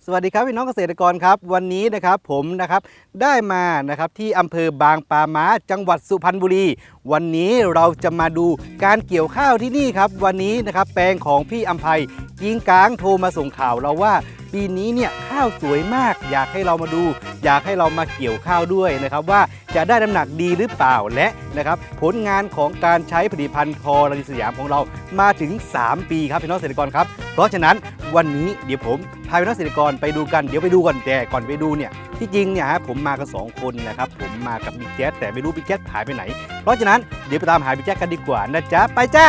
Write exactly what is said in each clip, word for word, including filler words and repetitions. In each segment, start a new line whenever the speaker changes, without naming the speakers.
สวัสดีครับพี่น้องเกษตรกรครับวันนี้นะครับผมนะครับได้มานะครับที่อำเภอบางปาม้าจังหวัดสุพรรณบุรีวันนี้เราจะมาดูการเกี่ยวข้าวที่นี่ครับวันนี้นะครับแปลงของพี่อำไพกิ้งก้างโทรมาส่งข่าวเราว่าปีนี้เนี่ยข้าวสวยมากอยากให้เรามาดูอยากให้เรามาเกี่ยวข้าวด้วยนะครับว่าจะได้น้ำหนักดีหรือเปล่าและนะครับผลงานของการใช้ผลิตภัณฑ์ทอรานิสยามของเรามาถึงสามปีครับพี่น้องเกษตรกรครับเพราะฉะนั้นวันนี้เดี๋ยวผมพาพี่น้องเกษตรกรไปดูกันเดี๋ยวไปดูก่อนแต่ก่อนไปดูเนี่ยที่จริงเนี่ยฮะผมมากันสองคนนะครับผมมากับบิ๊กแจ๊สแต่ไม่รู้บิ๊กแจ๊สหายไปไหนเพราะฉะนั้นเดี๋ยวไปตามหาบิ๊กแจ๊สกันดีกว่านะจ๊ะไปจ้า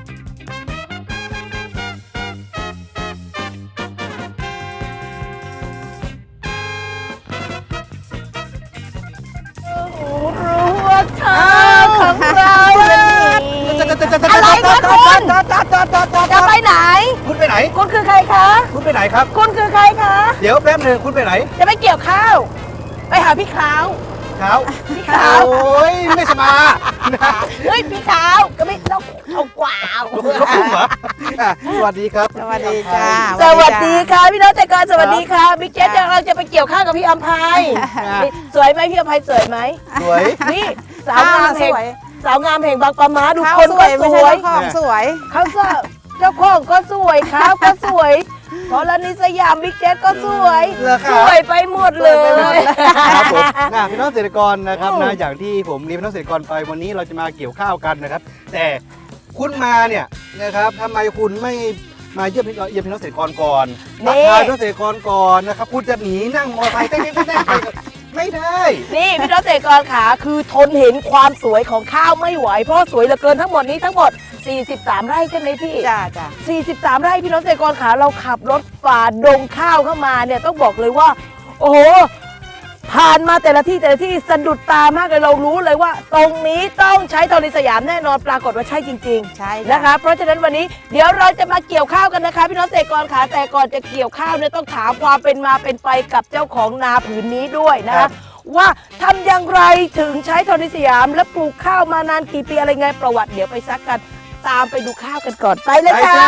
อะไรคะคุณจะไปไหน
คุณไปไหน
คุณคือใครคะ
คุณไปไหนครับ
คุณคือใครคะ
เดี๋ยวแป๊บนึงคุณไปไหน
จะไปเกี่ยวข้าวไปหาพี่ขาว
ขาว
พี่ขาว
โอ้ยไม่สมา
เฮ้ยพี่ขาวก็ไม่ต้องเอากว่า
สวัสดีครับ
สวัสดีจ้า
สวัสดีค่ะพี่น้องเกษตรกรสวัสดีค่ะบิ๊กเจ๊เราจะไปเกี่ยวข้าวกับพี่อำไพสวยไหมพี่อำไพสวยไหม
สวย
นี่สาวงามแห่งสาวงามแห่งบางปะม้าดูคน
ก็สวย
สวย
เขาสวย
เขาเจ้าของก็สวยข้าวก็สวยทอรานิสยามบิ๊กเจ๊ก็สวยสวยไปหมดเลย
ครับผมนะพี่น้องเกษตรกรนะครับนะอย่างที่ผมเรียนพี่น้องเกษตรกรไปวันนี้เราจะมาเกี่ยวข้าวกันนะครับแต่คุณมาเนี่ยนะครับทำไมคุณไม่มาเยี่ยมเยี่ยมพี่น้องเกษตรกรก่อนทักทายพี่น้องเกษตรกรก่อนนะครับคุณจะหนีนั่งมอเตอร์ไซค์เต้นๆไปไม่ได้
นี่พี่น้องเกษตรกรขาคือทนเห็นความสวยของข้าวไม่ไหวเพราะสวยเหลือเกินทั้งหมดนี้ทั้งหมดสี่สิบสามไร่ใช่ไหมพี่
จ้าจ้า
สี่สิบสามไร่พี่น้องเกษตรกรขาเราขับรถฝ่าดงข้าวเข้ามาเนี่ยต้องบอกเลยว่าโอ้โหผ่านมาแต่ละที่แต่ละที่สะดุดตามากเลยเรารู้เลยว่าตรงนี้ต้องใช้ทอรานิสยามแน่นอนปรากฏว่าใช่จริงๆ
ใช่
นะคะเพราะฉะนั้นวันนี้เดี๋ยวเราจะมาเกี่ยวข้าวกันนะคะพี่น้องเกษตรกรขาแต่ก่อนจะเกี่ยวข้าวเนี่ยต้องถามความเป็นมาเป็นไปกับเจ้าของนาผืนนี้ด้วยนะคะว่าทำอย่างไรถึงใช้ทอรานิสยามและปลูกข้าวมานานกี่ปีอะไรไงประวัติเดี๋ยวไปซักกันตามไปดูข้าวกันก่อนไปเลยค่ะ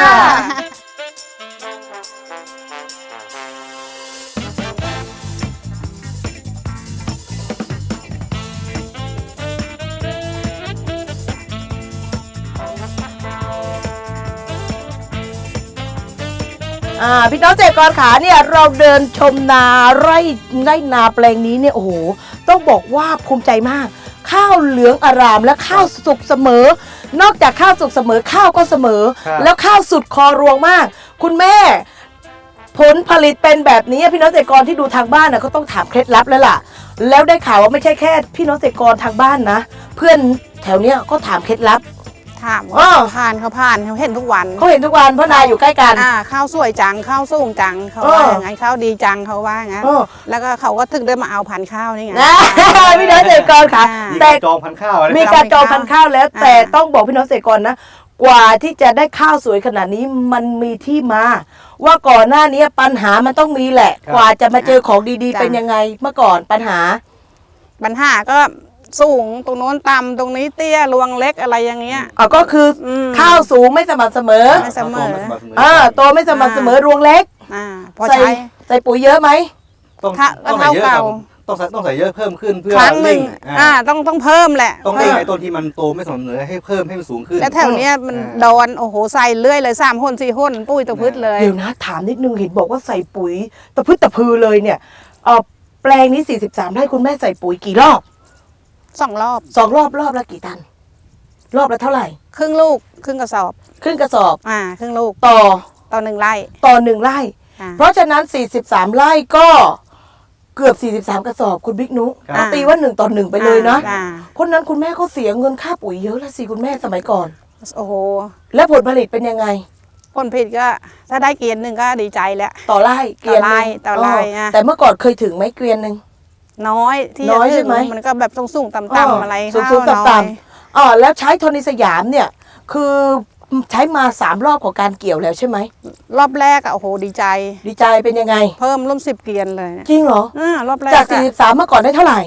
พี่น้องเกษตรกรขาเนี่ยเราเดินชมนาไร่ไร่นาแปลงนี้เนี่ยโอ้โหต้องบอกว่าภูมิใจมากข้าวเหลืองอารามและข้าวสุกเสมอนอกจากข้าวสุกเสมอข้าวก็เสมอแล้วข้าวสุดคอรวงมากคุณแม่ผลผลิตเป็นแบบนี้พี่น้องเกษตรกรที่ดูทางบ้านนะก็ต้องถามเคล็ดลับแล้วล่ะแล้วได้ข่าวว่าไม่ใช่แค่พี่น้องเกษตรกรทางบ้านนะเพื่อนแถวเนี้ยก็ถามเคล็ดลับ
ถามว่าผ่านเขาผ่านเขาเห็นทุกวัน
เขาเห็นทุกวันเพราะนาอยู่ใกล้กัน
อ่าข้าวสวยจังข้าวสูงจังเขาว่าอย่างนั้นข้าวดีจังเขาว่างั้นแล้วก็เขาก็ถึงได้มาเอาพันธุ์ข้าวนี่ไง
พี่น้องเกษตรกรค่ะ
แต่จองพันธุ์ข้าว
มีการจองพันธุ์ข้าวแล้วแต่ต้องบอกพี่น้องเกษตรกรนะกว่าที่จะได้ข้าวสวยขนาดนี้มันมีที่มาว่าก่อนหน้านี้ปัญหามันต้องมีแหละกว่าจะมาเจอของดีๆเป็นยังไงเมื่อก่อนปัญหา
ปัญหาก็สูงตรงโน้นต่ำตรงนี้เตี้ยรวงเล็กอะไรอย่างเงี้ย
อ๋อก็คือข้าวสูงไม่สม่ำเสมอ
ไม่เสมอ
อ่าโตไม่สม่ำเสมอรวงเล็ก
อ่าพอ
ใส่ใส่ปุ๋ยเยอะไหม
ต้องต้องใส่เยอะต้องใส่ต้องใส่เยอะเพิ่มขึ้นเพื่อ
ครั้งหนึ่งอ่าต้องต้องเพิ่มแหละ
ต้องได้ไอ้ต้นที่มันโตไม่สม่ำเสมอให้เพิ่มให้มันสูงขึ้น
แล้วแถวเนี้ยมันโดนโอ้โหใส่เรื่อยเลยสามคนสี่คนปุ้ยตะพืชเลย
เดี๋ยวนะถามนิดนึงเห็นบอกว่าใส่ปุ๋ยตะพืชตะพือเลยเนี่ยเออแปลงนี้สี่สิบสามไร่คุณแม่ใส่ปุ๋ยกี่รอบ
สองรอบ
สองรอบรอบละกี่ตันรอบละเท่าไหร่
ครึ่งลูกครึ่งกระสอบ
ครึ่งกระสอบ
อ่าครึ่งลูก
ต่อ
ต่อหนึ่งไร่
ต่อหนึ่งไร่เพราะฉะนั้นสี่สิบสามไร่ก็เกือบสี่สิบสามกระสอบคุณบิ๊กนุตีว่าหนึ่งต่อหนึ่งไปเลยนะคนนั้นคุณแม่ก็เสียเงินค่าปุ๋ยเยอะแล้วสิคุณแม่สมัยก่อน
โอ้โห
แล้วผลผลิตเป็นยังไง
ผลผลิตก็ถ้าได้เกวียนหนึ่งก็ดีใจแล้ว
ต่อไร่
เกวียนนึงต่อไร่
แต่เมื่อก่อนเคยถึงไหมเกวียนหนึ่ง
น้อยที่
น้อยใช่ไหม
มันก็แบบสูงๆต่ำๆอะไร
สูงๆต่ำๆอ๋อแล้วใช้ทอรานิสยามเนี่ยคือใช้มาสามรอบของการเกี่ยวแล้วใช่ไหม
รอบแรกอ่ะโอ้โหดีใจ
ดีใจเป็นยังไง
เพิ่มร่วมสิบเกวียนเลย
จริงเหรอ
อ่ารอบแรก
จากสี่สิบสามเมื่อก่อนได้เท่าไหร่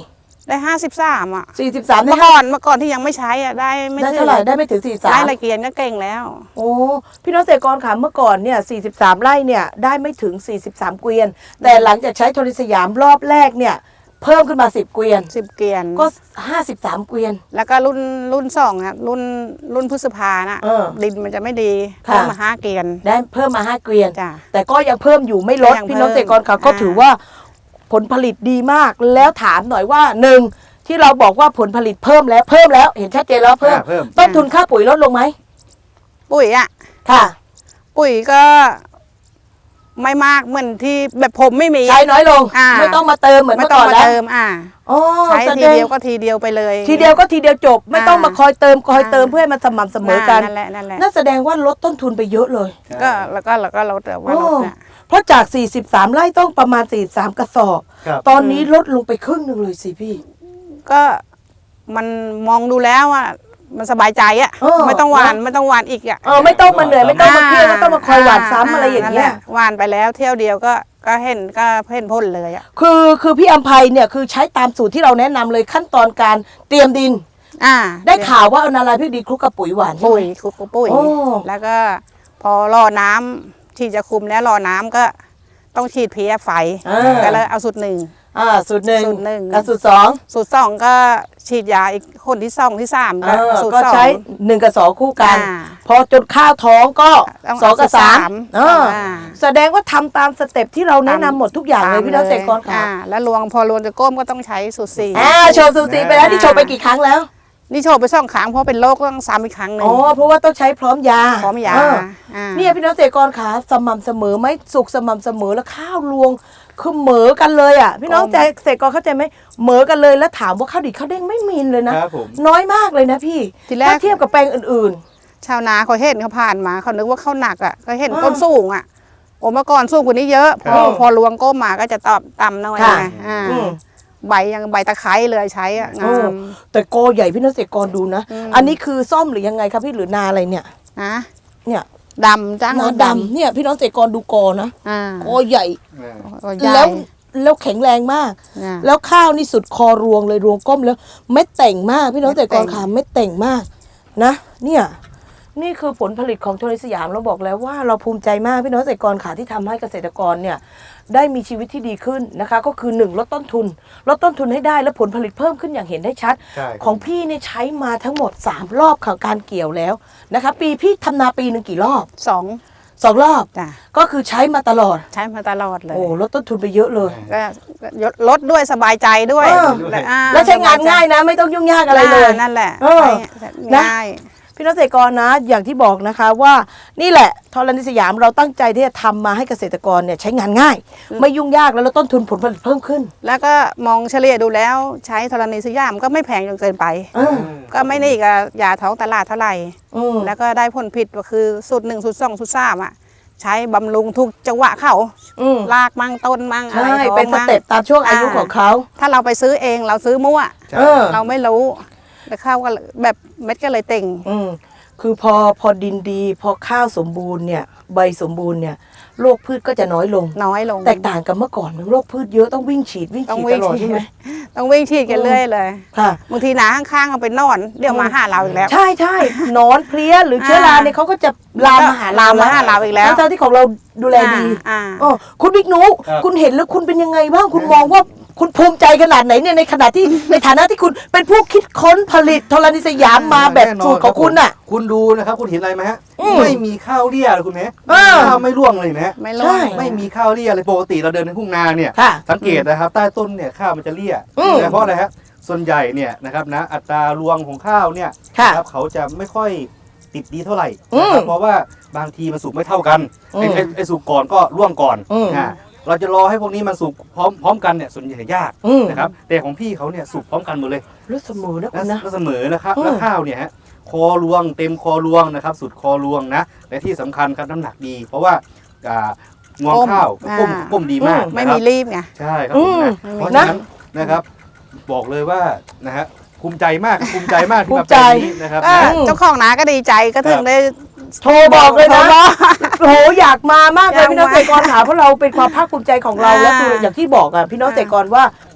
ได้ห้าสิบสามอ่ะ
สี่สิบสามได้
เมื่อก่อนเมื่อก่อนที่ยังไม่ใช้อ่ะได้ไม่
ได้เท่าไหร่ได้ไม่ถึงสี่สิบสาม
ได้ละเกียนก็เก่งแล้ว
โอ้พี่น้องเกษตรกรค่ะเมื่อก่อนเนี่ยสี่สิบสามไร่เนี่ยได้ไม่ถึงสี่สิบสามเกวียน แต่หลังจากใช้โทรสยามรอบแรกเนี่ยเพิ่มขึ้นมาสิบเกวียน
สิบเกียน
ก็ห้าสิบสามเกวียน
แล้วก็รุ่นรุ่นสองอ่ะรุ่นรุ่นพฤษภาน่ะ
เออ
ดินมันจะไม่ดี
ค่ะ
เพิ่มมาห้าเกียน
ได้เพิ่มมาห้าเกวียน
จ้ะ
แต่ก็ยังเพิ่มอยู่ไม่ลด
ยัง
พี่น้องเกษตรกรค่ะ
เพิ่ม
ก็
อ่า
ถือว่าผลผลิตดีมากแล้วถามหน่อยว่าหนึ่งที่เราบอกว่าผลผลิตเพิ่มแล้วเพิ่มแล้วเห็นชัดเจนแล้วเพิ่ม
อ่าเพิ่ม
ต้นทุนค่าปุ๋ยลดลงไหม
ปุ๋ยอ่ะ
ค่ะ
ปุ๋ยก็ไม่มากเหมือนที่แบบผมไม่มี
ใช้น้อยลง
อ่า
ไม่ต้องมาเติมเหมือน
ไม่
เมื่อ
ต้อง
ก่อน
มา
แล้ว
เติมอ่า
อ๋อ
ใช้
แส
ที
ดง
เดียวก็ทีเดียวไปเลย
ทีเดียวก็ทีเดียวจบ ไม่ต้อง
อ่าม
มาคอยเติมคอยเติม
อ่า
เพื่อให้มันสม่ำเสมอกัน
นั่นแหละนั่นแหละ
นั่นแสดงว่าลดต้นทุนไปเยอะเลย
ก็แล้วก็แล้วก็ลดแต่ว่าลดเนี่ย
เพราะจากสี่สิบสามไร่ต้องประมาณสี่สิบสามกระสอบ
ครับ
ตอนนี้ลดลงไปครึ่งหนึ่งเลยสิพี่
ก็มันมองดูแล้วอ่ะมันสบายใจอ่ะ
เออ
ไม่ต้องหวานไม่ต้องหวานอีกอ่ะ
เออไม่ต้องมาเหนื่อยไม่ต้องมาเครียดไม่ต้องมาคอยหวานซ้ำอะไรอย่างเงี้ย
นั่นแหละหวานไปแล้วเที่ยวเดียวก็ก็เห็นก็เห็นพ่นเลยอ่ะ
คือคือพี่อัมภัยเนี่ยคือใช้ตามสูตรที่เราแนะนำเลยขั้นตอนการเตรียมดิน
อ่า
ได้ข่าวว่าเอานาลายพริกดีคลุกกับปุ๋ยหวานใช่
ปุ๋
ไห
ย
ม
คลุกกับปุ๋ย
โอ้
แล้วก็พอรอน้ำที่จะคุมแล้วรอน้ำก็ต้องฉีดเพี้ยไฟ
อ่า
ก็เลยเอาสูตรหนึ่ง
อ่าสูตรหนึ่ง
สูตรหนึ่ง
กับสูตรสอง
สูตรสองก็ฉีดยาอีกคนที่สองที่สาม
เอ
ก็
อ
สูตร
ก็
สอง
ใช้หนึ่งกับสองคู่กัน
อ่า
พอจนข้าวท้องก็
ต้อง
สองกับสาม
เอา
เออ
อ่า
แสดงว่าทำตามสเต็ปที่เราแนะนำหมดทุกอย่างเลยพี่น้องเกษตรกรค่ะ
อ่าแล้วรวงพอรวงจะก้มก็ต้องใช้สูตรสี่
อ่าโชว์สูตรสีไปแล้วที่โชว์ไปกี่ครั้งแล้ว
นี่โชว์ไปสองครั้งเพราะเป็นโรคต้องซ้ำอีกครั้งหนึ่
อ๋
ง
อเพราะว่าต้องใช้พร้อมยา
พร้อมยา
เออ
อ่า
เนี่ยพี่น้องเกษตรกรขาสม่ำเสมอไหมสุกสม่ำเสมอแล้วข้าวรวงคือเหมอกันเลยอ่ะพี่น้องใจเกษตรกรเข้าใจไหมเหมอกันเลยแล้วถามว่าข้าวดีข้าวเด้งไม่มีเลยนะครับ
ผม
น้อยมากเลยนะพี่
ทีแรก
ถ้าเทียบกับแปลงอื่น
ชาวนาเขาเห็นเขาผ่านมาเขานึกว่าข้าวหนักอ่ะก็เห็น
อ่า
ต้นสูงอ่ะโอ้เมื่อก่อนสูงกว่านี้เยอะพอ
ครับ
พอรวงก้มมาก็จะตอบต่ำหน่อย
ค่ะ
ไงอ่า
อืม
ใบยังใบตะไคร้เลยใช้อ่ะ
ๆ
งา
โอ้
ม
แต่โกใหญ่พี่น้องเกษตรกรดูนะ
อืม
อันนี้คือซ่อมหรือยังไงครับพี่หรือนาอะไรเนี่ย
นะ
เนี่ย
ดำจ้าง
นาดำเนี่ยพี่น้องเกษตรกรดูโกนะ
อ่า
โกใหญ่
ก็ใหญ่
แล้วแล้วแข็งแรงมาก
อ่า
แล้วข้าวนี่สุดคอรวงเลยรวงก้มแล้วเม็ดแต่งมากพี่น้องเกษตรกร
เม็ดแต่ง
ขาเม็ดแต่งมากนะเนี่ยนี่คือผลผลิตของโทรสยามเราบอกแล้วว่าเราภูมิใจมากพี่น้องเกษตรกรขาที่ทำให้เกษตรกรเนี่ยได้มีชีวิตที่ดีขึ้นนะคะ ก็คือหนึ่งลดต้นทุนลดต้นทุนให้ได้และผลผลิตเพิ่มขึ้นอย่างเห็นได้ชัด
ใช่
ของพี่เนี่ยใช้มาทั้งหมดสามรอบของการเกี่ยวแล้วนะคะปีพี่ทำนาปีหนึ่งกี่รอบ
สอง
สองรอบ
จ้ะ
ก็คือใช้มาตลอด
ใช้มาตลอดเลย
โอ้ลดต้นทุนไปเยอะเลย
ก็ลดด้วยสบายใจด้วย
เออ
อ่า
แล้วใช้งานง่ายนะ ไม่ต้องยุ่งยากอะไรเลย
านั่นแหละ
เออ
ใช้
นะ
ง่าย
พี่น้องเกษตรกรนะอย่างที่บอกนะคะว่านี่แหละธรณีสยามเราตั้งใจที่จะทำมาให้เกษตรกรเนี่ยใช้งานง่าย ไม่ยุ่งยากแล้วลดต้นทุนผลผลิตเพิ่มขึ้น
แล้วก็มองเฉลี่ยดูแล้วใช้ธรณีสยามก็ไม่แพงจนเกินไป
เออ
ก็ไม่นี่กับยาท้องตลาดเท่าไหร่
อืม
แล้วก็ได้ผลผิดก็คือสูตรหนึ่งสูตรสองสูตรสามอ่ะใช้บำรุงทุกจังหวะเขา
อืม
ลากมั่งต้นมั่งอะไร
ใช่
ท้อง
เป็นส
มั่ง
เต็ปตามช่วงอายุของเขา
ถ้าเราไปซื้อเองเราซื้อมั่ว
เออ
เราไม่รู้แล้วข้าวก็แบบเม็ดก็เลยเต่ง
อืมคือพอพอดินดี พอข้าวสมบูรณ์เนี่ยใบสมบูรณ์เนี่ยโรคพืชก็จะน้อยลง
น้อยลง
แตกต่างกับเมื่อก่อนโรคพืชเยอะต้องวิ่งฉีดวิ่ง
ต้อง
ฉีด
วิ่
ต
ง
ลอด
ฉีด
ใช่ไหม
ต้องวิ่งฉีดกันเรื่อยเลย
ค่ะ
บางทีหนาข้างๆเอาไปนอน เดี๋ยวมาหาเราอีกแล้ว
ใช่ใช่หนอนเพลี้ยหรือเชื้อราเนี่ยเขาก็จะลามมาหาเรา
ลามมาหาเราอีกแล้ว
ทั้งๆที่ของเราดูแลดี
อ่า
อ๋อคุณบิ๊กนุ
ครับ
คุณเห็นแล้วคุณเป็นยังไงบ้างคุณมองว่าคุณภูมิใจขนาดไหนเนี่ยในขณะที่ ในฐานะที่คุณเป็นผู้คิดค้นผลิตธรณีสยามมาแบบ
น่นน
สูตรของคุณน่ะ
คุณดูนะครับคุณเห็นอะไรไหมฮะ
อืม
ไม่มีข้าวเลี่ยเลยคุณแม่
เออ
ข้าวไม่ร่วงเลยนะฮะ
ไม่
ใช่
รู้
ไม่มีข้าวเลี่ยเลยปกติเราเดินในทุ่งนาเนี่ย
ค่ะ
สังเกตนะครับใต้ต้นเนี่ยข้าวมันจะเลี่ย
อืม
เพราะอะไรฮะส่วนใหญ่เนี่ยนะครับนะอัตรารวงของข้าวเนี่ย
ค่ะ
นะครับเขาจะไม่ค่อยติดดีเท่าไหร่
อืม
นะครับเพราะว่าบางทีมันสุกไม่เท่ากันไอ้
อืม
ไอ้ไอ้สุกก่อนก็ร่วงก่อน
อืม
อ่าเราจะรอให้พวกนี้มันสุกพร้อมพร้อมกันเนี่ยส่วนใหญ่ยาก
อืม
นะครับแต่ของพี่เขาเนี่ยสุกพร้อมกันหมดเลย
รู้เสมอนะ
และ
คุณนะ
และเสมอนะครับ
อืม
แล้วข้าวเนี่ยฮะคอรวงเต็มคอรวงนะครับสุดคอรวงนะและที่สำคัญครับน้ำหนักดี เพราะว่าอ่างวงข้าวก้ม
อ่า
ก้มดีมาก
ไม่
นะค
มี
รับ
รีบไง
ใช่ครับผมนะ
อืม
เพราะฉะนั้นนะครับ บอกเลยว่านะฮะภูมิใจมากภูมิใจมากที่
ภู
มา
มิใจ
เป็นนี้นะครับ
ก็
นะ
เจ้าของนาก็ดีใจก็ถึงได้
โทรบอกเลยนะ
โทรบอก
โอ้โหอยากมามากเลย
อยาก
พี่น้อง
มา
เกษตรกรค่ะเพราะเราเป็นความภาคภูมิใจของเรา
อ่า
และคืออย่างที่บอกอ่ะพี่น้องเกษตรกรว่า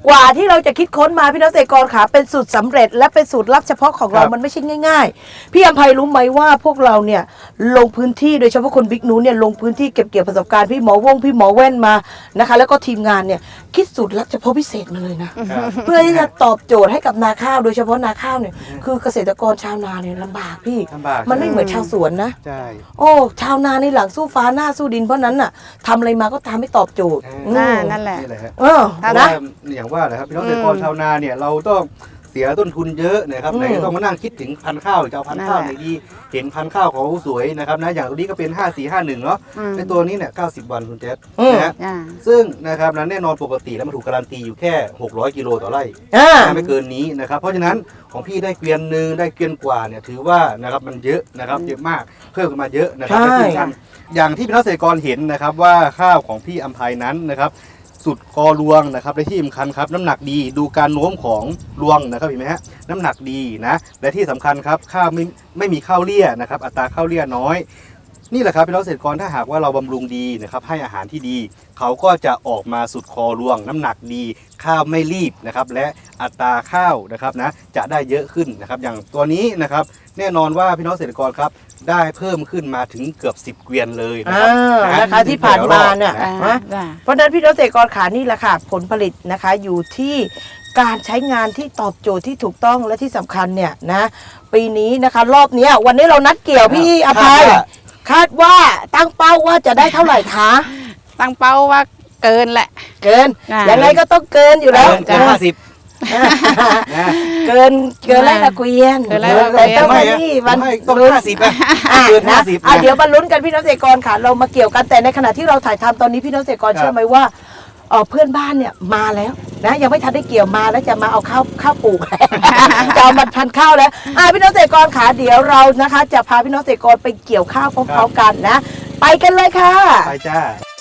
กว่าที่เราจะคิดค้นมาพี่น้องเกษตรกรขาเป็นสูตรสำเร็จและเป็นสูตรลับเฉพาะของเรา
ครับ
มันไม่ใช่ง่ายๆพี่อภัยรู้ไหมว่าพวกเราเนี่ยลงพื้นที่โดยเฉพาะคนบิ๊กนูเนี่ยลงพื้นที่เก็บเกี่ยวประสบการณ์พี่หมอวงพี่หมอแว่นมานะคะแล้วก็ทีมงานเนี่ยคิดสูตรลับเฉพาะพิเศษมาเลยนะ
ครับ
เพื่อที่จะตอบโจทย์ให้กับนาข้าวโดยเฉพาะนาข้าวเนี่ยคือเกษตรกรชาวนาเนี่ยลำบากพี่
ลำบาก
มันไม่เหมือนชาวสวนนะ
ใช่
โอ้ชาวนาในหลังสู้ฟ้าหน้าสู้ดินเพราะนั้นน่ะทำอะไรมาก็ทำไม่ตอบโจทย์
ใช่
อืม
นั่นแหละ
นี่แหละฮะ
เออ
เพราะ
นะ
ว่าอย่างว่านะครับพี่น้องเกษตรกรชาวนาเนี่ยเราต้องเสียต้นทุนเยอะนะครับ
อืม
ไหนจะต้องมานั่งคิดถึงพันธุ์ข้าวจะเอาพันธุ์ข้าวไหนดีเห็นพันธุ์ข้าวเขาสวยนะครับนะอย่างตัวนี้ก็เป็นห้าสี่ห้าหนึ่งเนาะ
อืม
ในตัวนี้เนี่ยเก้าสิบวันคุณเจษ
อืม
นะฮะ
อ่า
ซึ่งนะครับนั้นแน่นอนปกติแล้วมันถูกการันตีอยู่แค่หกร้อยกิโลต่อไร่
อ่า
ไม่เกินนี้นะครับเพราะฉะนั้นของพี่ได้เกวียนหนึ่งได้เกวียนกว่าเนี่ยถือว่านะครับมันเยอะนะครับเยอะมากเพิ่มขึ้นมาเยอะนะครับ
ใช่
และที่สำคัญอย่างที่พี่น้องเกษตรกรเห็นนะครับว่าข้าวของพี่อัมภัยนั้นนะครับสุดกอรวงนะครับและที่สำคัญครับน้ำหนักดีดูการโน้มของรวงนะครับเห็นไหมฮะน้ำหนักดีนะและที่สำคัญครับข้าวไม่ไม่มีข้าวเลี่ยนะครับอัตราข้าวเลี่ยน้อย นี่แหละครับพี่น้องเกษตรกรถ้าหากว่าเราบำรุงดีนะครับให้อาหารที่ดี เขาก็จะออกมาสุดคอรวง น้ำหนักดี ข้าวไม่รีบนะครับและอัตราข้าวนะครับนะจะได้เยอะขึ้นนะครับอย่างตัวนี้นะครับแน่นอนว่าพี่น้องเกษตรกรครับได้เพิ่มขึ้นมาถึงเกือบสิบเกวียนเลยนะ
อ่า
ครับ
นะคะที่ผ่านมาเนี่ย
อ่า
นะ
จ้ะ
เพราะฉะนั้นพี่น้องเกษตรกรขานี่แหละค่ะผลผลิตนะคะอยู่ที่การใช้งานที่ตอบโจทย์ที่ถูกต้องและที่สำคัญเนี่ยนะปีนี้นะคะรอบเนี้ยวันนี้เรานัดเกี่ยวพี่อภัย คาดว่าตั้งเป้าว่าจะได้เท่าไหร่คะ
ตั้งเป้าว่าเกินแหละ
เกิน
อ่า
ยังไงก็ต้องเกินอยู่แล้ว
เกินห้าสิบนะ
เกินเกินไล่ละเกวียน
เกินไร่ละเกวียน
แต่ต้อง
ไม่
มา
ฮะ
ที่
ผ
วัน
มให้ต้อง
ลุ้น
ห้าสิบอะ
อ่ะ
เกิน
นะ
ห้าสิบ
อ่ะ
นะ
เดี๋ยวมาลุ้นกันพี่น้องเกษตรกรค่ะเรามาเกี่ยวกันแต่ในขณะที่เราถ่ายทำตอนนี้พี่น้องเกษตรกร
ครับ
เชื่อไหมว่าเอ่อเพื่อนบ้านเนี่ยมาแล้วนะยังไม่ทันได้เกี่ยวมาแล้วจะมาเอาข้าวข้าวปลูก จะเอามาพันข้าวแล้วอ่ะพี่น้องเกษตรกรขาเดี๋ยวเรานะคะ จะพาพี่น้องเกษตรกรไปเกี่ยวข้าวพร้อมๆกันนะ ไปกันเลยค่ะ
ไปจ้า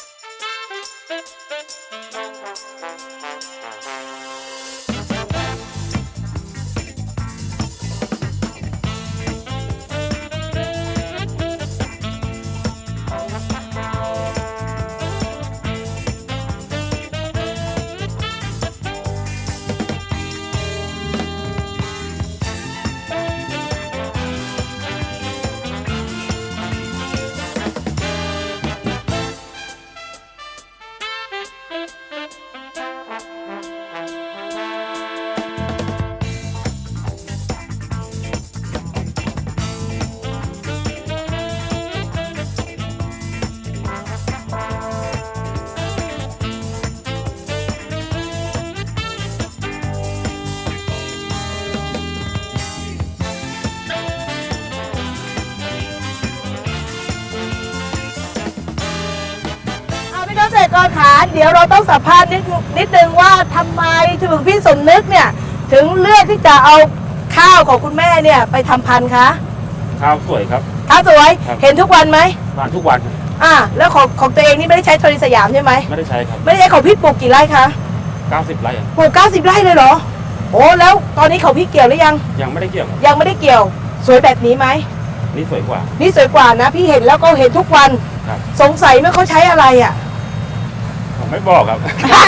เอาพี่น้องเกษตรกรขาเดี๋ยวเราต้องสัมภาษณ์นิดนิดนึงว่าทำไมถึงพี่สมนึกเนี่ยถึงเลือกที่จะเอาข้าวของคุณแม่เนี่ยไปทำพันธุ์คะ
ข้าวสวยครับ
ข้าวสวย
ครับ
เห็นทุกวันไหม
ทานทุกวันครับ
อ่าแล้วของของตัวเองนี่ไม่ได้ใช้โทรสยามใช่ไหม
ไม่ได้ใช้ครับ
ไม่ได้ใช้ของพี่ปลูกกี่ไร่คะ
เก้าสิบไร่อะ
ปลูกเก้าสิบไร่เลยเหรอโอ้แล้วตอนนี้ของพี่เกี่ยวหรือยัง
ยังไม่ได้เกี่ยวครับ
ยังไม่ได้เกี่ยวสวยแบบนี้ไหม
นี่สวยกว่า
นี่สวยกว่านะ พี่เห็นแล้วก็เห็นทุกวัน
ครับ
สงสัยไหมเขาใช้อะไรอ่ะ
ผมไม่บอกครับ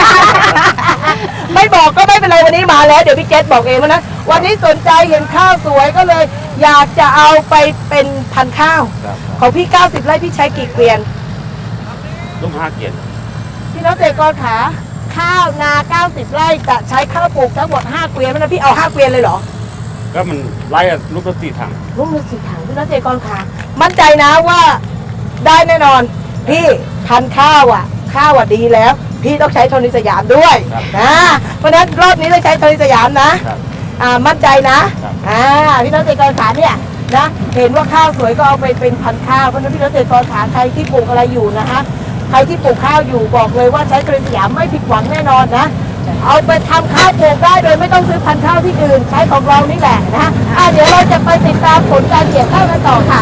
ไม่บอกก็ไม่เป็นไรวันนี้มาแล้วเดี๋ยวพี่เกตบอกเองว่านะวันนี้สนใจเห็นข้าวสวยก็เลย อยากจะเอาไปเป็นพันธุ์ข้าว
ครับ
ของพี่เก้าสิบไร่พี่ใช้กี่เกวียน
ลูกห้าเกียรติ
พี่น้องเกษตรกรขาข้าวนาเก้าสิบไร่จะใช้ข้าวปลูกทั้งหมดห้าเกวียนนะพี่เอาห้าเกวียนเลยเหรอ
ก็มันไล่อะลูกละสี่ถัง
ลูกมือสีถังพี่น้องเกษตรกรขามั่นใจนะว่าได้แน่นอน พี่พันธุ์ข้าวอ่ะ ข้าวอ่ะดีแล้ว พี่ต้องใช้โทนิสยามด้วยนะเพราะฉะนั้นรอบนี้ต้องใช้โทนิสยามนะครับ อ่ามั่นใจนะครับ อ่าพี่น้องเกษตรกรขาเนี่ยนะเห็นว่าข้าวสวยก็เอาไปเป็นพันธุ์ข้าวเพราะฉะนั้นพี่น้องเกษตรกรขาใครที่ปลูกอะไรอยู่นะคะใครที่ปลูกข้าวอยู่บอกเลยว่าใช้โทนิสยามไม่ผิดหวังแน่นอนนะเอาไปทำข้าวปลูกได้โดยไม่ต้องซื้อพันธุ์ข้าวที่อื่นใช้ของเรานี่แหละนะอ่าเดี๋ยวเราจะไปติดตามผลการเกี่ยวข้าวกันต่อค่ะ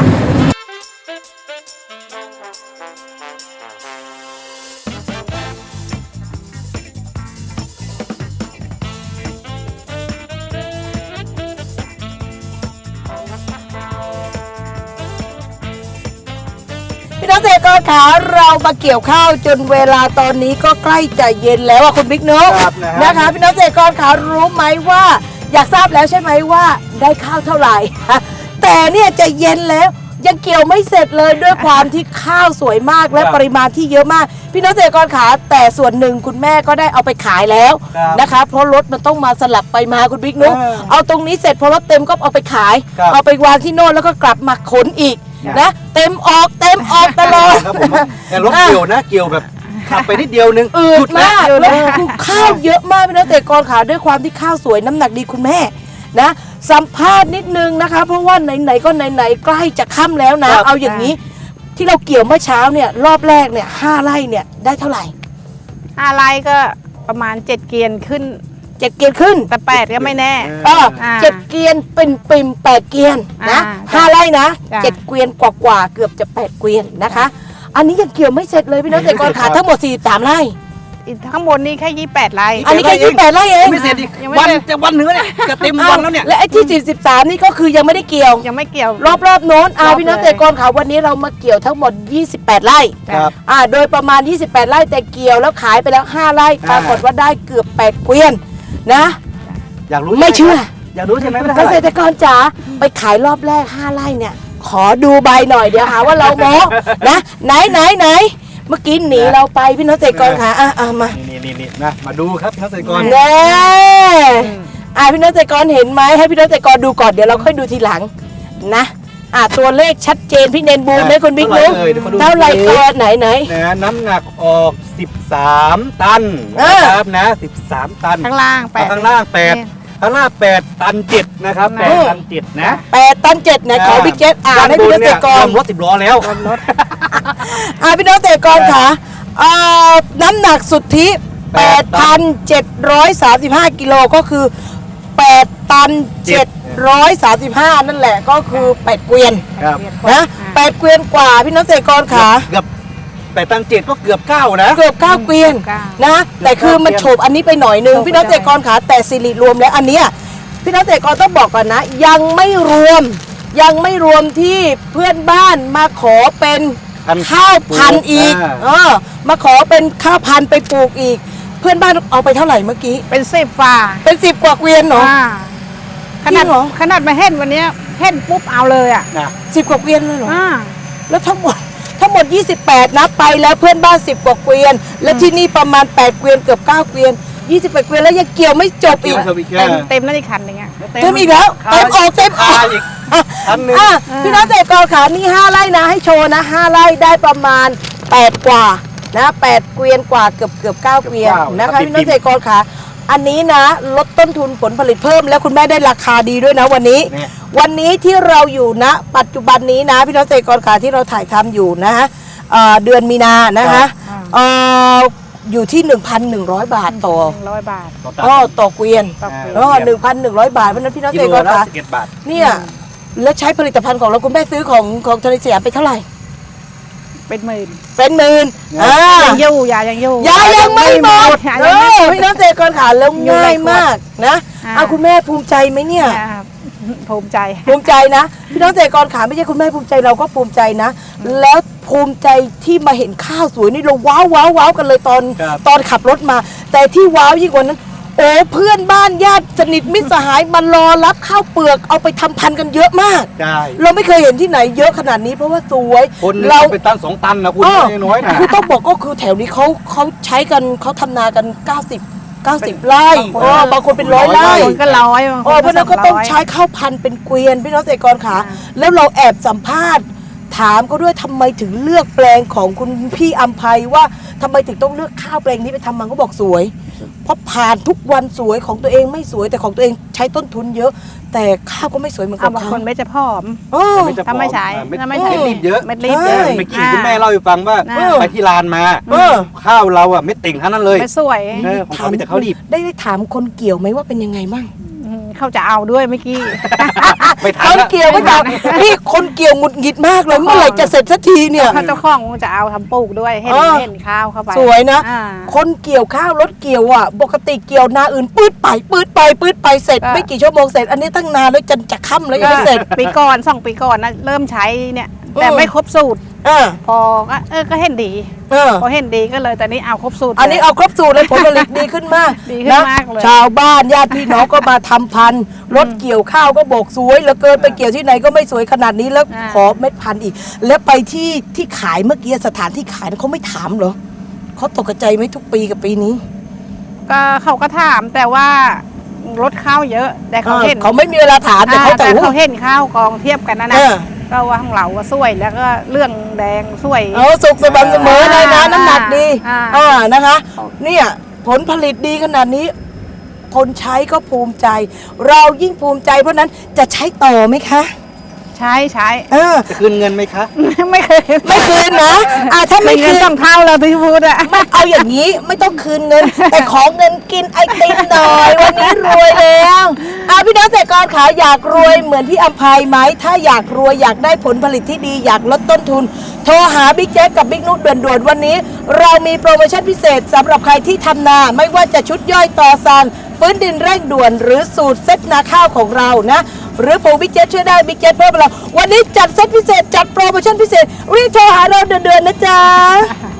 พี่น้องเกษตรกรขาเรามาเกี่ยวข้าวจนเวลาตอนนี้ก็ใกล้จะเย็นแล้วอะคุณบิ๊กนุ๊ก
ครับนะฮะ
นะคะพี่น้องเกษตรกรขารู้ไหมว่าอยากทราบแล้วใช่ไหมว่าได้ข้าวเท่าไหร่ แต่เนี่ยจะเย็นแล้วยังเกี่ยวไม่เสร็จเลยด้วยความที่ข้าวสวยมากและ
ครับ
ปริมาณที่เยอะมาก พี่น้องเกษตรกรขาแต่ส่วนหนึ่งคุณแม่ก็ได้เอาไปขายแล้ว
ครับ
นะคะเพราะรถมันต้องมาสลับไปมาคุณบิ๊กนุ๊ก
เออ
เอาตรงนี้เสร็จพอรถเต็มก็เอาไปขาย
ครับ
เอาไปวางที่โน่นแล้วก็กลับมาขนอีก
ครับ
นะเต็มออกเต็มออกตลอด
ครับผมแต่รถเกี่ยวนะเกี่ยวแบบขับไปนิดเดียวนึง
อื
หยุ
ด
ดแล้ว
มากแล้วคือข้าวเยอะมากพี่น้องเกษตรกรขาด้วยความที่ข้าวสวยน้ำหนักดีคุณแม่นะสัมภาษณ์นิดนึงนะคะ เพราะว่าไหนๆก็ไหนๆใกล้จะค่ำแล้วนะ
ครับ
เอาอย่างนี้ที่เราเกี่ยวเมื่อเช้าเนี่ยรอบแรกเนี่ยห้าไร่เนี่ยได้เท่าไหร่
ห้าไร่ก็ประมาณเจ็ดเกวียนขึ้น
เจ็ดเกียนขึ้น
แต่แปดก็ไม่แน่
เออ
อ่า
เจ็ดเกียนเป็นปิ่มแปดเกียนนะ
อ่า
ห้าไร่นะ
จ้ะ
เจ็ดเกวียนกว่าๆเกือบจะแปดเกวียนนะคะ อันนี้ยังเกี่ยวไม่เสร็จเลยพี่น้องเกษตรกรขาทั้งหมดสี่สิบสามไร่
อีกข้างบนนี่แค่ยี่สิบแปดไร่
อันนี้แค่ยี่สิบแปดไร่เอง
ไม่เสร็จอีก
ยังไม่
วัน
เสร็จ
จะวันเหนือเนี่ยจะเต็มวันแล้วเนี่ย
และไอ้ที่สี่สิบสามนี่ก็คือยังไม่ได้เกี่ยว
ยังไม่เกี่ยว
รอบรอบๆโน้นอ่าร
อบ
พี่น้อง
เลย
เกษตรกรขาวันนี้เรามาเกี่ยวทั้งหมดยี่สิบแปดไร่
ครับ
อ่าโดยประมาณยี่สิบแปดไร่แต่เกี่ยวแล้วขายไปแล้วห้าไร่ปรากฏว่าได้เกือบแปดเกวียนนะ
อยากรู้
ไม่เชื่อ
อยากรู้ใช่ไหมว่าได้
เก
เท่าไห
ษ
ร่
ตรกรจ๋าไปขายรอบแรกห้าไร่เนี่ยขอดูใบหน่อยเดี๋ยวหาว่าเราโม้ นะไหนไหนไหนเมื่อกี้หนีเราไปพี่น้องเกษตรกรขาอ่ะอ่ะมา
นี่นี่นี่นะมาดูครับเกษตรกร
แน่อ่ะพี่น้องเกษตรกรเห็นไหมให้พี่น้องเกษตรกรดูก่อนเดี๋ยวเราค่อยดูทีหลังนะอ่ะตัวเลขชัดเจนพี่เนนบูมไหมคุณบิ๊กนุ๊ก
เท่าไหร่เอ่ยเดี๋ยวขอดู
เท่าไหร่ก่อนไหนไหน
นะน้ำหนักออกสิบสามตัน
เอ
นะ
อ
ครับนะสิบสามตัน
ข้างล่างแปด
ข้างล่างแปด
นี่
ข้างล่างแปดตันเจ็ดนะครับแปด
อืม
ตันเจ็ดนะ
แปดตันเจ็ดไหนขอบิ๊กเจ็ตอ่านให้พี่น้องเกษตรกร
ด้านบนเนี่ยรวมรถสิบล้อแล้ว
อ่าพี่น้องเกษตรกรค่ะอ่าน้ำหนักสุทธิ
แปด
แปดพันเจ็ดร้อยสามสิบห้า กิโลก็คือ แปด ตัน
เจ็
เจ็
ด
ดร้อยสามสิบห้า นั่นแหละก็คือแปดเกวียน
ครับ
นะแปดเกวียนกว่าพี่น้องเกษตรกรค่ะ
เกือบแปดตันเจ็ดก็เกือบเก้านะ
เกือบเก้าเกวียน
เก้า
นะแต่คือมันโฉบอันนี้ไปหน่อยนึง
โฉบไป
พี่น้องเกษตรกรค่ะแต่สิริรวมแล้วอันเนี้ยพี่น้องเกษตรกรต้องบอกก่อนนะ ยังไม่รวม ยังไม่รวมที่เพื่อนบ้านมาขอเป็น
พันธุ์
ข้าวพันธุ์อีก
อ่า
เออมาขอเป็นข้าวพันธุ์ไปปลูกอีก เพื่อนบ้านเอาไปเท่าไหร่เมื่อกี้
เป็นสิบฝ่า
เป็นสิบกว่าเกวียนเหรอ
อ่าขนาด
จริงเหรอ
ขนาดมาเห็นวันเนี้ยเห็นปุ๊บเอาเลยอ่ะ
นะ
สิบกว่าเกวียนเลยเหรอ
อ่า
แล้วทั้งหมดทั้งหมดยี่สิบแปดนะไปแล้วเพื่อนบ้านสิบกว่าเกวียน และที่นี่ประมาณแปดเกวียนเกือบเก้าเกวียนยี่สิบแปดเกวียนแล้วยังเกี่ยวไม่จบอีก
เกี่ยวอีก
เต็มเต็มแล้วอีกคันหนึงอ่ะ
เต็มอีกแล้วเต็มออกเต็มออก
อีกอันหนึ่ง
อ่ะพี่น้องเกษตรกรขานี่ห้าไร่นะให้โชว์นะห้าไร่ได้ประมาณแปดกว่านะแปดเกวียนกว่าเกือบเกือบเก้าเกวียน
เกือบเก้า
นะคะ
ครับ
พี่น้องเกษตรกรขาอันนี้นะลดต้นทุนผลผลิตเพิ่ม แล้วคุณแม่ได้ราคาดีด้วยนะวันนี้
เนี่ย
วันนี้ที่เราอยู่ณปัจจุบันนี้นะพี่น้องเกษตรกรขาที่เราถ่ายทำอยู่นะฮะเอ่อเดือนมีนานะคะ
อ่า
เอ่ออยู่ที่ หนึ่งพันหนึ่งร้อย บาทต่อ
หนึ่งร้อยบาท
อ๋อต่อเกวียน
ต่อเกวียน
อ๋อหนึ่งพันหนึ่งร้อยบาทเพราะฉะนั้นพี่น้อง
กิ
เกษ
โล
ตรกร
ละ
ขา
สิบเอ็ดบาท
เนี่ยแล้วใช้ผลิตภัณฑ์ของเราคุณแม่ซื้อของของทะเลสยามไปเท่าไหร่
เป็นหมื่น
เป็นหมื่น
เนี่ย
อ่า
ยังอยู่ยายังอยู่
ยายังไม่หมด
ยา
เอ
ยังไม่
อ
หมด
พี่น้องเกษตรกรขาแล้ว
อยู่ใน
ง่าย
ขวด
มากนะ
อ่า
เอาคุณแม่ภูมิใจไหมเนี่ย
อ่าภูมิใจ
ภูมิใจนะพี่น้องเกษตรกรขาไม่ใช่คุณแม่ภูมิใจเราก็ภูมิใจนะ แล้วภูมิใจที่มาเห็นข้าวสวยนี่เราว้าวว้าวว้าวกันเลยตอน
ครับ
ตอนขับรถมา แต่ที่ว้าวยิ่งกว่านั้นโอ้เพื่อนบ้านญาติสนิทมิตรสหายมารอรับข้าวเปลือกเอาไปทำพันธุ์กันเยอะมาก
ได้
เราไม่เคยเห็นที่ไหนเยอะขนาดนี้เพราะว่าสวย
คนหนึง
เรา
ต้องเป็นตันสองตันนะคุณ
เออ
ไม่น้อยนะ
คือต้องบอกก็คือแถวนี้เขาเขาใช้กันเขาทำนากัน เก้าสิบ เก้าสิบ ไร่
บางคน
เออบางคนเป็นร้อย
ร้อย
ไร่
ไร่
คนก็ร้อยบางค
เออน เพราะฉะนั้นก็ต้อง
สร้ย
ใช้ข้าวพันธุ์เป็นเกวียนพี่น้องเกษตรกรขา
อ่า
แล้วเราแอบสัมภาษณ์ ถามก็ด้วยทำไมถึงเลือกแปลงของคุณพี่อัมภัยว่าทำไมถึงต้องเลือกข้าวแปลงนี้ไปทำมันก็บอกสวย เพราะผ่านทุกวันสวยของตัวเองไม่สวยแต่ของตัวเองใช้ต้นทุนเยอะ แต่ข้าวก็ไม่สวยเหมือนกั
อ่ะ
บบ
าง
เขา
คนไม่จะผอม
เออ
ไม่จะ
ถ้าไม่ใช้
ไม่
ถ้าไม่
ไม่
ใช้
รีบเยอะ
เม็ดรีบ
ใช่
เยอะ
เมื่อกี้คุณแม่เล่าให้ฟังว่า
อ่า
ไปที่ลานมา
เออ
ข้าวเราอะไม่ติ่งทั้งนั้นเลย
ไม่สวย
เออของเขามีแต่ข้าวรีบ
ได้ได้ถามคนเกี่ยวไหมว่าเป็นยังไงบ้าง
อืมเขาจะเอาด้วยเมื่อกี้
ไปทั
คน น
ละ
เกี่ยวไม่ถามนี่คนเกี่ยวหงุดหงิดมากเลยเมื่อไหร่จะเสร็จสักทีเนี่ย
เขาเจ้าของจะเอาทำปลูกด้วยเห็น
เออ
เห็นข้าวเข้าไป
สวยนะ
อ่า
คนเกี่ยวข้าวรถเกี่ยวอ่ะปกติเกี่ยวนาอื่นปืดไปปืดไปปืดไปเสร็จ
ก็
ไม่กี่ชั่วโมงเสร็จอันนี้ตั้งนานแล้วจนจะค่ำแล้วยังไม่เสร็จ
ปีก่อนสองปีก่อนนะเริ่มใช้เนี่ย แต่
เออ
ไม่ครบสูตร
อ่า
พอก็เออก็เห็นดี
เออ
พอเห็นดีก็เลยตอนนี้เอาครบสูตร
อันนี้
ลย
เอาครบสูตรเลยผลผลิตดีขึ้นมาก
ดีขึ้นมากเลย
ชาวบ้านญาติพี่น้องก็มาทำพันธุ์รถเกี่ยวข้าวก็บอกสวยเหลือเกินไปเกี่ยวที่ไหนก็ไม่สวยขนาดนี้แล้ว
อ่า
ขอเม็ดพันธุ์อีก แล้วไปที่ที่ขายเมื่อกี้สถานที่ขายเขาไม่ถามเหรอเขาตกใจไหมทุกปีกับปีนี้
ก็เขาก็ถามแต่ว่ารถข้าวเยอะ แต่เขาเห็น
เขาไม่มีเวลาถามแต่
อ่า
เขาแต่
แต่เขาเห็นข้าวกองเทียบกันนะ
เอ
นะ
อ
ก็ว่าของเราว่าสวยแล้วก็เรื่องแดงสวย
เอาสุกสม่ำเสมอเลยนะ
อ่า
น้ำหนักดี
อ่า
อ่านะคะ เนี่ยผลผลิตดีขนาดนี้ คนใช้ก็ภูมิใจ เรายิ่งภูมิใจเพราะนั้นจะใช้ต่อไหมคะ
ใช้ใช้
เออ
จะคืนเงินไหมคะ
ไม่เคย
ไม่คืนนะอ่าถ้าไม่
เงิ
คื
น
น
สองเท่าแล้วที่พูดอะ
ไม่เอาอย่างนี้ไม่ต้องคืนเงิน แต่ขอเงินกินไอติมหน่อย วันนี้รวยแล้วอ่ะพี่น้องเกษตรกรขาอยากรวยเหมือนพี่อัมภัยไหมถ้าอยากรวยอยากได้ผลผลิตที่ดีอยากลดต้นทุน โทรหาบิ๊กแจ๊กกับบิ๊กนุชด่วนๆวันนี้ เรามีโปรโมชั่นพิเศษสำหรับใครที่ทำนาไม่ว่าจะชุดย่อยต่อสั่งฟื้นดินเร่งด่วนหรือสูตรเซ็ตนาข้าวของเรานะหรือผูบิ๊กเจ็ตช่วยได้บิ๊กเจ็ตเพิ่มเราวันนี้จัดเซ็ตพิเศษจัดโปรโมชั่นพิเศษรีบโทรหาเราเดือนๆนะจ๊ะ